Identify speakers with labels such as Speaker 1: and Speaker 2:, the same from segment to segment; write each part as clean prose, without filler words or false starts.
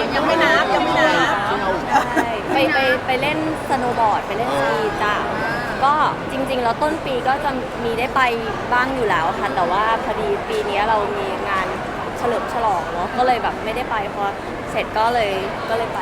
Speaker 1: ยังไม่นับ
Speaker 2: ใช่ไปเล่นสโนว์บอร์ดไปเล่นสกีจ้ะก็จริงๆแล้วต้นปีก็จะมีได้ไปบ้างอยู่แล้วค่ะแต่ว่าพอดีปีนี้เรามีงานเฉลิมฉลองเนาะก็เลยแบบไม่ได้ไปพอเสร็จก็เลยไป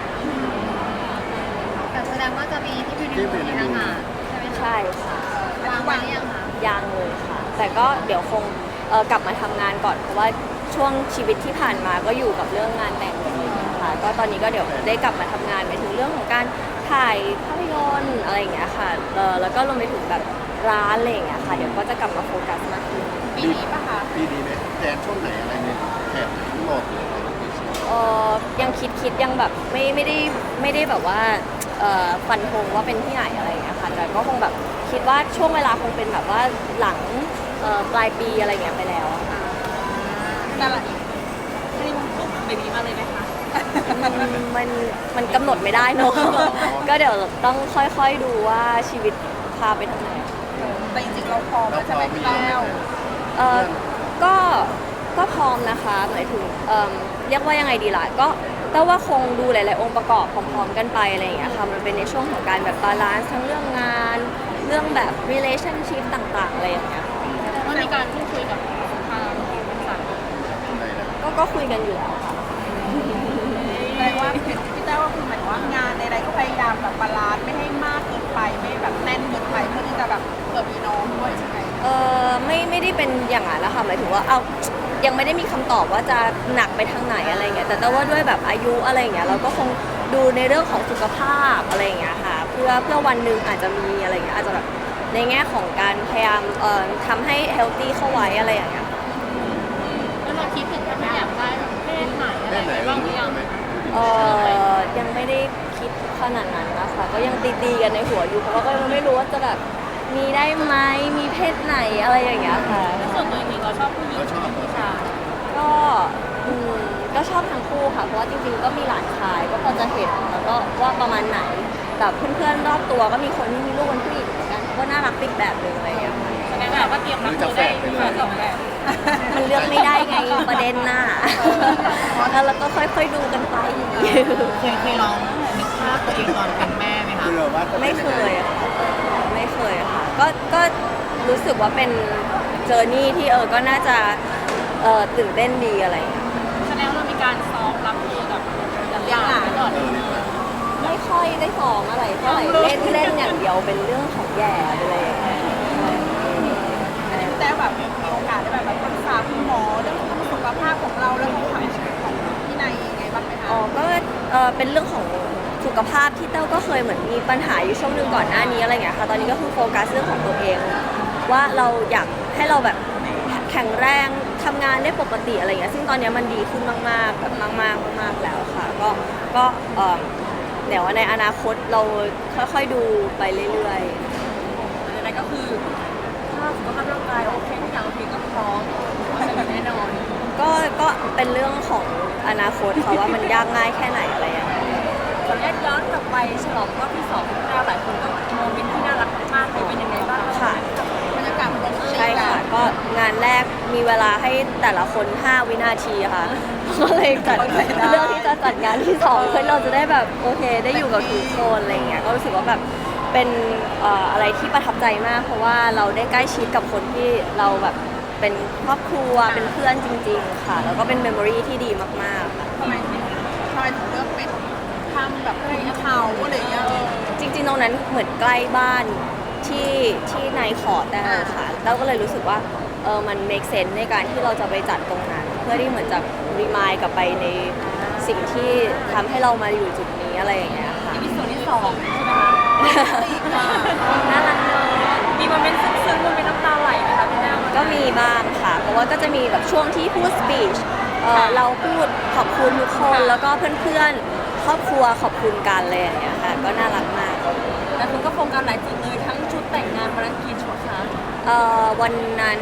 Speaker 1: แต่แสดงว่าจะมีที่พิพิธภัณฑ์นะคะใช่ไหมคะ
Speaker 2: ใช่ค่ะ
Speaker 1: วางไว้หรือยังคะ
Speaker 2: ยังเลยค่ะ แต่ก็เดี๋ยวคงกลับมาทำงานก่อนเพราะว่าช่วงชีวิตที่ผ่านมาก็อยู่กับเรื่องงานแต่งอะไรอย่างเงี้ยค่ะก็ตอนนี้ก็เดี๋ยวได้กลับมาทำงานไปถึงเรื่องของการถ่ายภาพยนตร์อะไรอย่างเงี้ยค่ะแล้วก็รวมไปถึงแบบร้านอะไรอย่างเงี้ยค่ะเดี๋ยวก็จะกลับมาโฟกัสมากขึ้น
Speaker 1: ปีนี้ปะคะ
Speaker 3: ปีนี้ไหมแทนช่วงไหนอะไรเนี่ยแถบทั้งหมดหรืออะไรอย่างเงี้ย
Speaker 2: ยังคิดยังแบบไม่ได้แบบว่าฟันธงว่าเป็นที่ไหนอะไรอย่างเงี้ยค่ะแต่ก็คงแบบคิดว่าช่วงเวลาคงเป็นแบบว่าหลังปลายปีอะไรอย่างเงี้ยไปแล้วอะค่ะ
Speaker 1: แต่ละฮันนีมูนปุ๊บเบบีมาเลยไหมคะ
Speaker 2: มันกำหนดไม่ได้เนอะ ก็เดี๋ยวต้องค่อยๆดูว่าชีวิตพาไปทางไหน
Speaker 1: แต่จริงๆเราพร้อมแล้วใช่ไหมพี่แก้ว
Speaker 2: เอ่อก็พร้อมนะคะหมายถึงเรียกว่ายังไงดีล่ะก็แต่ว่าคงดูหลายๆองค์ประกอบพร้อมๆกันไปอะไรอย่างเงี้ยค่ะมันเป็นในช่วงของการแบบบาลานซ์ทั้งเรื่องงานเรื่องแบบ relationship ต่างๆอะไรอย่างเงี้ย
Speaker 1: ว่ามีการพูดคุยกับทางบริษัท
Speaker 3: อะไรนะ
Speaker 2: ก็คุยกันอยู่แล้วค่ะ
Speaker 1: แสดงว่าพี่แต้วก็คือหมายถึงว่างานใดๆก็พยายามแบบบาลานซ์ไม่ให้มากเกินไปไม่แบบแน่นเกินไปเพื่อที่จะแบบเกิดมีน้องด้วยใช่ไหม
Speaker 2: ไม่ได้เป็นอย่างนั้นนะคะหมายถึงว่าเอายังไม่ได้มีคำตอบว่าจะหนักไปทางไหนอะไรเงี้ยแต่ว่าด้วยแบบอายุอะไรเงี้ยเราก็คงดูในเรื่องของสุขภาพอะไรเงี้ยค่ะเพื่อวันหนึ่งอาจจะมีอะไรเงี้ยอาจจะแบบในแง่ของการพยายามทำให้เฮลตี้เข้าไว้อะไรอย่างเงี้ย
Speaker 1: แล้วเราคิดถึงว่าอยากได้แบบเพศไหนอะไร
Speaker 3: แค่ไหน
Speaker 1: บ้างห
Speaker 3: รู้
Speaker 1: รือยัง
Speaker 3: ไหม
Speaker 2: ยังไม่ได้คิดขนาดนั้นนะคะก็ยังตีกันในหัวอยู่เพราะว่าก็ยังไม่รู้ว่าจะแบบมีได้ไหมมีเพศไหนอะไรอย่างเงี้ยค่ะ
Speaker 1: ส่วนตัวจริงๆเราชอบผู้หญิง
Speaker 3: เราชอบเหรอ
Speaker 1: ใช่
Speaker 2: ก็ก็ชอบทั้งคู่ค่ะเพราะว่าจริงๆก็มีหลานชายก็พอจะเห็นแล้วก็ว่าประมาณไหนแบบเพื่อนๆรอบตัวก็มีคนที่มีลูกเป็นผู้หญิงเหมือนกันก็น่ารักอีกแบบหนึ่งอะไรอย่างเงี้ย
Speaker 1: แสดงว่าเราก็เตรียมรับมือได้สองแบบ
Speaker 2: มันเลือกไม่ได้ไงประเด็นน่ะแล้วเราก็ค่อยๆดูกันไป
Speaker 4: เคยลองนึกภาพตัวเองตอนเป็นแม่ไหมคะ
Speaker 3: เผื่อว่าจะ
Speaker 2: ไม่
Speaker 3: เป็น
Speaker 2: เค
Speaker 3: ยังไง
Speaker 2: ยอะค่ะไม่เคยอะค่ะก็รู้สึกว่าเป็นเจอร์นี่ที่ก็น่าจะตื่นเต้นดีอะไรอย่างเงี้ย
Speaker 1: แสดงว่าเรามีการซ้อมรับมือกับอย่างไปก่อน
Speaker 2: ไม่ค่อยได้ซ้อมอะไรเท่าไหร่เล่นอย่างเดียวเป็นเรื่องของแย่ไปเลย
Speaker 1: อันนี้แต่แบบมีโอกาสได้แบบปรึกษาคุณหมอเรื่องสุขภาพของเราแล้วของพี่นายยังไงบ้างไหมคะ
Speaker 2: อ๋อก็เป็นเรื่องของสุขภาพที่เต้าก็เคยเหมือนมีปัญหาอยู่ช่วงหนึ่งก่อนหน้านี้อะไรเงี้ยค่ะตอนนี้ก็คือโฟกัสเรื่องของตัวเอง ว่าเราอยากให้เราแบบแข็งแรงทำงานได้ปกติอะไรเงี้ยซึ่งตอนนี้มันดีขึ้นมากๆแบบมากๆแล้วค่ะก็เดี๋ยวในอนาคตเราค่อยๆดูไปเรื่อยๆ
Speaker 1: อะไรก็คือถ้าสุขภาพร่างกายโอเคทุกอย่างโอเคก็พร้อมแน่นอน
Speaker 2: ก็เป็นเรื่องของอนาคตค่ะว่ามันยากง่ายแค่ไหนอะไรอย่างเงี้ย
Speaker 1: ขออนุญาตย้อนกลับไปฉลองรอบที่2ของเราหลายคนก็โมเมนต์ที่น่ารักมากๆเลยเป็นยังไงบ้าง
Speaker 2: ค่ะ
Speaker 1: บรรยากาศมันเป็น
Speaker 2: ใช่ค่ะก็งานแรกมีเวลาให้แต่ละคน 5 วินาทีค่ะก็เลยจัดเลือกที่จะจัดงานที่2เพื่อเราจะได้แบบโอเคได้อยู่กับทุกคนอะไรเงี้ยก็รู้สึกว่าแบบเป็นอะไรที่ประทับใจมาก เพราะว่าเราได้ใกล้ชิดกับคนที่เราแบบเป็นครอบครัวเป็นเพื่อนจริง ๆ ค่ะ แล้วก็เป็นเมมโมรีที่ดีมากๆค่ะ
Speaker 1: ทำไมถึงเลือกเป็นทำแบบอะไรเขาอะไรอย่างเงี้ย
Speaker 2: จริงๆตรงนั้นเหมือนใกล้บ้านที่นายขอได้ค่ะแล้วก็เลยรู้สึกว่ามัน make sense ในการที่เราจะไปจัดตรงนั้น เพื่อที่เหมือนจะรีมายกลับไปในสิ่งที่ทำให้เรามาอยู่จุดนี้อะไรอย่างเงี้ยค่ะ
Speaker 1: มีส่วนที่2ใช่ไหมคะ
Speaker 2: น่ารักเนอะ
Speaker 1: มีโมเมนต์ซึ้งๆโมเมนต์น้ำตาไหลไหมคะพี่แต้ว
Speaker 2: ก็มีบ้างค่ะ เพราะว่าก็จะมีแบบช่วงที่พูดสปีชเราพูดขอบคุณทุกคนแล้วก็เพื่อนๆครอบครัวขอบคุณกันเลยอย่างเงี้ยค่ะก็น่ารักมาก
Speaker 1: แต่คุณก็โฟกัสหลายจุดเลยทั้งชุดแต่งงานปรกินชุดคะ
Speaker 2: วันนั้น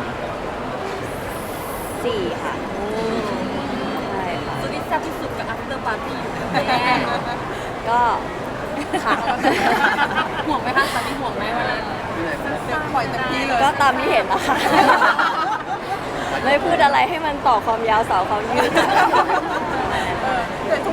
Speaker 2: 4ค่ะใช่ค่ะ
Speaker 1: สุดที่แซ่บที่สุดกับ after party อยู่แน่
Speaker 2: ก็ค่ะ
Speaker 1: ห่วงไหมคะตอนนี้ห่วงไหมวันนั้นปล่อยเต็มที่เลย
Speaker 2: ก็ตามที่เห็นนะคะ ไม่พูดอะไรให้มันต่อความยาวสาวความยืด
Speaker 1: แต่ทุก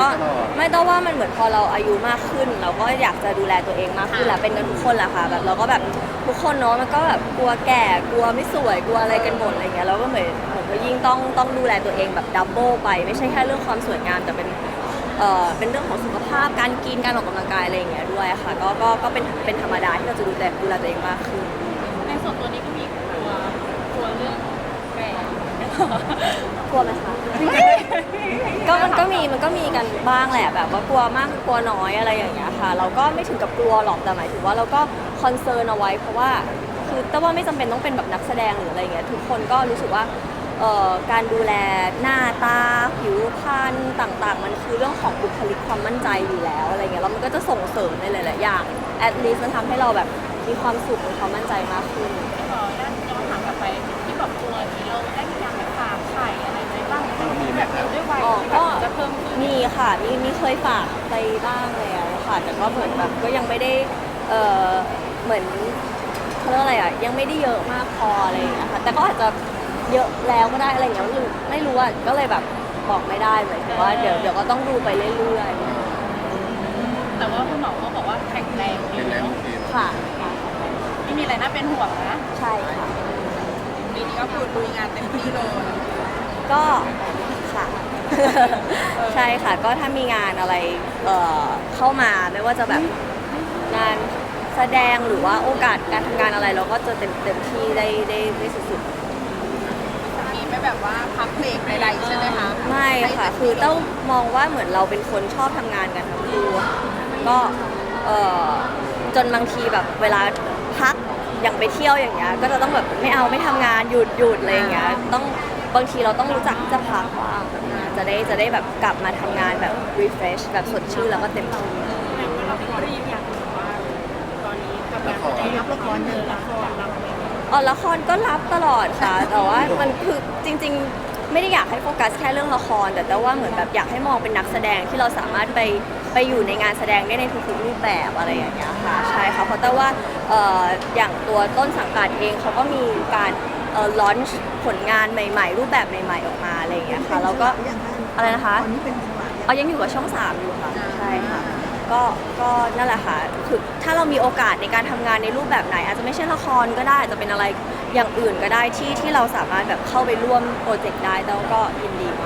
Speaker 2: ก็ไม่ต้องว่ามันเหมือนพอเราอายุมากขึ้น เราก็อยากจะดูแลตัวเองมากขึ้นแหละเป็นกันทุกคนแหละค่ะแบบเราก็แบบทุกคนเนาะมันก็แบบกลัวแก่กลัวไม่สวยกลัวอะไรกันหมดอะไรเงี้ยเราก็เหมือนว่ายิ่งต้องดูแลตัวเองแบบดับเบิลไปไม่ใช่แค่เรื่องความสวยงามแต่เป็นเรื่องของสุขภาพการกินการออกกำลังกายอะไรอย่างเงี้ยด้วยค่ะก็เป็นธรรมดาที่เราจะดูแลตัวเองมากขึ้น
Speaker 1: ในส่วนตัวนี้ก็มีกลัวเรื่องแก่
Speaker 2: กลัวไหมคะ ก็มันก็มีกันบ้างแหละแบบว่ากลัวมากกลัวน้อยอะไรอย่างเงี้ยค่ะ เราก็ไม่ถึงกับกลัวหรอกแต่หมายถึงว่าเราก็คอนเซิร์นเอาไว้เพราะว่าคือแต่ว่าไม่จำเป็นต้องเป็นแบบนักแสดงหรืออะไรเงี้ยทุกคนก็รู้สึกว่าการดูแลหน้าตาผิวพรรณต่างๆ มันคือเรื่องของบุคลิกความมั่นใจอยู่แล้วอะไรเงี้ยแล้วมันก็จะส่งเสริมในหลายๆอย่าง at least มันทำให้เราแบบมีความสุขมีความมั่นใจมากขึ้น
Speaker 1: ขอด้านย้อนถามกลับไปที่แบบตัวนี้เราได้มีการฝากไข่อะไรไว้บ้างแบบด้วยวัยที่แบบจะเพิ่มขึ้น
Speaker 2: มีค่ะมีเคยฝากไปบ้างแล้วค่ะแต่ก็เหมือนแบบก็ยังไม่ได้เหมือนเขาเรียกอะไรอ่ะยังไม่ได้เยอะมากพออะไรอย่างเงี้ยค่ะแต่ก็อาจจะเยอะแล้วก็ได้อะไรอย่างเงี้ยไม่รู้อ่ะก็เลยแบบบอกไม่ได้เหมือนกับว่าเดี๋ยวก็ต้องดูไปเรื่อย
Speaker 1: แต่ว่าคุณหมอเขาบอกว่าแข็งแรงดี
Speaker 3: เป็นแล้ว
Speaker 1: เนาะ
Speaker 3: โอเค
Speaker 2: ๆค่ะ
Speaker 1: ไม่มีอะไรน่าเป็นห่วงนะ
Speaker 2: ใช่ค่ะ
Speaker 1: ปีนี้ก็คือลุยงานเต็มที่เลย
Speaker 2: ก็ค่ะ ใช่ค่ะก็ถ้ามีงานอะไรเข้ามาไม่ว่าจะแบบงานแสดงหรือว่าโอกาสการทำงานอะไรเราก็จะเต็มที่ได้สุดๆ
Speaker 1: มีไม่แบบว่าพักเบรกใดๆใช่ไหมคะ
Speaker 2: ไม่ค่ะ คือต้องมองว่าเหมือนเราเป็นคนชอบทำงานกันทั้งคู่ก็จนบางทีแบบเวลาพักอย่างไปเที่ยวอย่างเงี้ย ก็จะต้องแบบไม่ทำงานหยุดอะไรอย่างเงี้ย ต้องบางทีเราต้องรู้จักที่จะพักบ้างจะได้แบบกลับมาทำงานแบบ refresh แบบสดชื่นแล้วก็เต็มที่
Speaker 1: เราก็ได้ยินอย่างว่าตอนนี้กำลังจะรับละครละครรับอะไร
Speaker 2: ละครก็รับตลอดค่ะ แต่ว่ามันคือจริงๆ ไม่ได้อยากให้โฟกัสแค่เรื่องละคร แต่ว่าเหมือนแบบอยากให้มองเป็นนักแสดงที่เราสามารถไปอยู่ในงานแสดงได้ในทุกๆรูปแบบอะไรอย่างเงี้ยค่ะใช่ค่ะเพราะแต่ว่าอย่างตัวต้นสังกัดเองเขาก็มีการลอนช์ผลงานใหม่ๆ รูปแบบใหม่ๆออกมาอะไรอย่างเงี้ยค่ะแล้วก็อะไรนะคะยังอยู่กับช่อง 3อยู่ค่ะใช่ค่ะก็นั่นแหละค่ะคือถ้าเรามีโอกาสในการทำงานในรูปแบบไหน อาจจะไม่ใช่ละครก็ได้อาจจะเป็นอะไรอย่างอื่นก็ได้ที่เราสามารถแบบเข้าไปร่วมโปรเจกต์ได้แล้วก็ยินดีมาก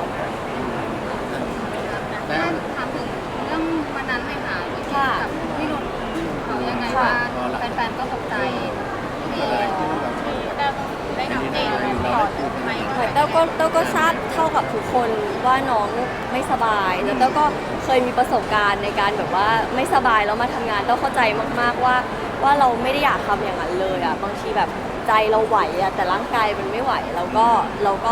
Speaker 3: แล้ว
Speaker 5: ถามถึงเรื่องวันนั้นเลยค่ะ
Speaker 2: ค่ะ
Speaker 5: กับพี่นุ่นเขายังไงว่าแฟนๆก็ตกใจที่
Speaker 3: อะไรที่เรา
Speaker 1: ได้อัปเดตอะไรต่อไหม
Speaker 2: เต้าก็ทราบเท่ากับทุกคนว่าน้องไม่สบายแล้วเต้าก็เคยมีประสบการณ์ในการแบบว่าไม่สบายแล้วมาทำงานเต้าเข้าใจมากๆว่าเราไม่ได้อยากทำอย่างนั้นเลยอ่ะบางทีแบบใจเราไหวอ่ะแต่ร่างกายมันไม่ไหวเราก็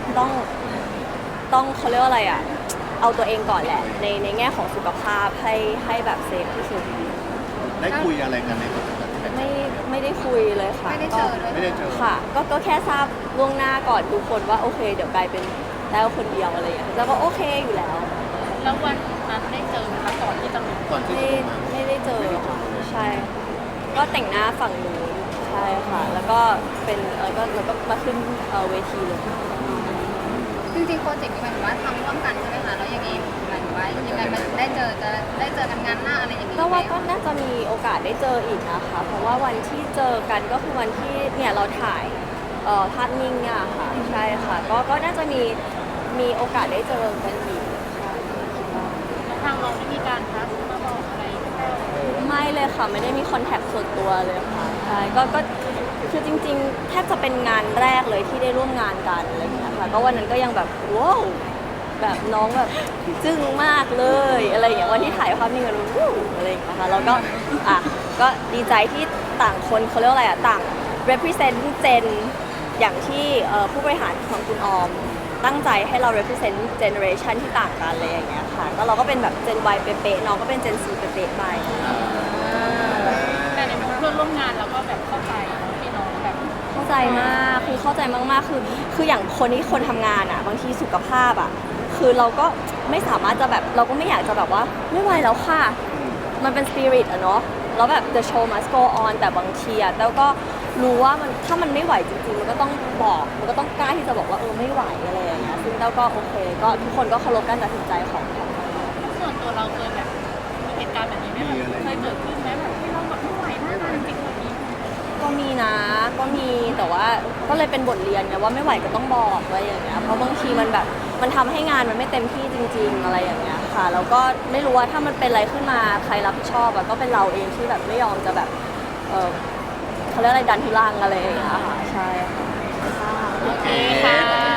Speaker 2: ต้องเขาเรียกว่าอะไรอ่ะเอาตัวเองก่อนแหละในแง่ของสุขภาพให้แบบเซฟที่สุด
Speaker 3: ได้คุยอะไรกันในคอนเสิร์ตที่แบบ
Speaker 2: ไม่ได้คุยเลยค่ะ
Speaker 5: ไม่ได้เจอด้วย
Speaker 3: ไม่ได้เจอ
Speaker 2: ค่ะก็แค่ทราบล่วงหน้าก่อนทุกคนว่าโอเค เดี๋ยวกลายเป็นแต้วคนเดียวอะไรอย่างเงี้ยแล้วก็โอเคอยู่แล้ว
Speaker 1: แล้ววันนั้นได้เจอไหมคะก่อนที่จะลง
Speaker 3: ก่อนที่
Speaker 2: ไม่
Speaker 3: จะลงมา
Speaker 2: ไม่ได้เจอค่ะใช่ ก็แต่งหน้าฝั่งนู้นใช่ค่ะ แล้วก็เป็นแล้วก็มาขึ้นเวทีเลย
Speaker 5: จริงๆโปรเจกต์นี้หมายถึงว่าทำร่วมกันใช่ไหมคะแล้วยังไงหมายถึงว่ายังไงมันได้เจอกันงานหน้าอะไรอย่างนี้
Speaker 2: ก็
Speaker 5: ไหม
Speaker 2: ว่าก็น่าจะมีโอกาสได้เจออีกนะคะ เพราะว่าวันที่เจอกันก็คือวันที่เนี่ยเราถ่ายภาพนิ่งเนี่ยค่ะใช่ค่ะก็น่าจะมีโอกาสได้เจอกันอีกใช่คิดว่า
Speaker 1: ทางเราได้มีการทักมาบอกอะไรแต้ว
Speaker 2: ไม่เลยค่ะไม่ได้มีคอนแทคส่วนตัวเลยค่ะใช่ก็คือจริงๆแทบจะเป็นงานแรกเลยที่ได้ร่วมงานกันอะไรอย่างเงี้ยค่ะก็วันนั้นก็ยังแบบว้าวแบบน้องแบบจึ้งมากเลยอะไรอย่างเงี้ยวันที่ถ่ายภาพนิ่งกันวู้อะไรอย่างเงี้ยค่ะแล้วก็ก็ดีใจที่ต่างคนเขาเรียกว่าอะไรต่าง represent เจนอย่างที่ผู้บริหารของคุณออมตั้งใจให้เรา represent generation ที่ต่างกันเลยอย่างเงี้ยค่ะก็เราก็เป็นแบบ Gen Y เป๊ะๆน้องก็เป็น Gen C เป๊ะๆไป
Speaker 1: แต่ในเพื่อนร่วมงานเราก็แบบเข้าใจพี่น้องแบบ
Speaker 2: เข้าใจมากคือเข้าใจมากๆคืออย่างคนทำงานอ่ะบางทีสุขภาพอ่ะคือเราก็ไม่สามารถจะแบบเราก็ไม่อยากจะแบบว่าไม่ไหวแล้วค่ะมันเป็นสปิริตอะเนาะแล้วแบบ the show must go on แต่บางทีอะแล้วก็รู้ว่ามันถ้ามันไม่ไหวจริงๆมันก็ต้องบอกมันก็ต้องกล้าที่จะบอกว่าไม่ไหวอะไรอย่างเงี้ยซึ่งเราก็โอเคก็ทุกคนก็เคารพการตัดสินใจของ
Speaker 1: แตัวเราเคยแบบมีเหตุการณ์แบบนี้ไหมแบบเคยเกิดขึ้นไหมแบบที่เราแบบไม่ไหวหน้างานจริงๆแบบนี้
Speaker 2: ก็มีนะก็มีแต่ว่าก็เลยเป็นบทเรียนไงว่าไม่ไหวก็ต้องบอกอะไรอย่างเงี้ยเพราะบางทีมันแบบมันทำให้งานมันไม่เต็มที่จริง ๆอะไรอย่างเงี้ยค่ะแล้วก็ไม่รู้ว่าถ้ามันเป็นอะไรขึ้นมาใครรับผิดชอบอะก็เป็นเราเองที่แบบไม่ยอมจะแบบเขาเรียกอะไรดันทุลังอะไรอย่างเงี้ยค่ะใช่ค่ะ
Speaker 3: โอเค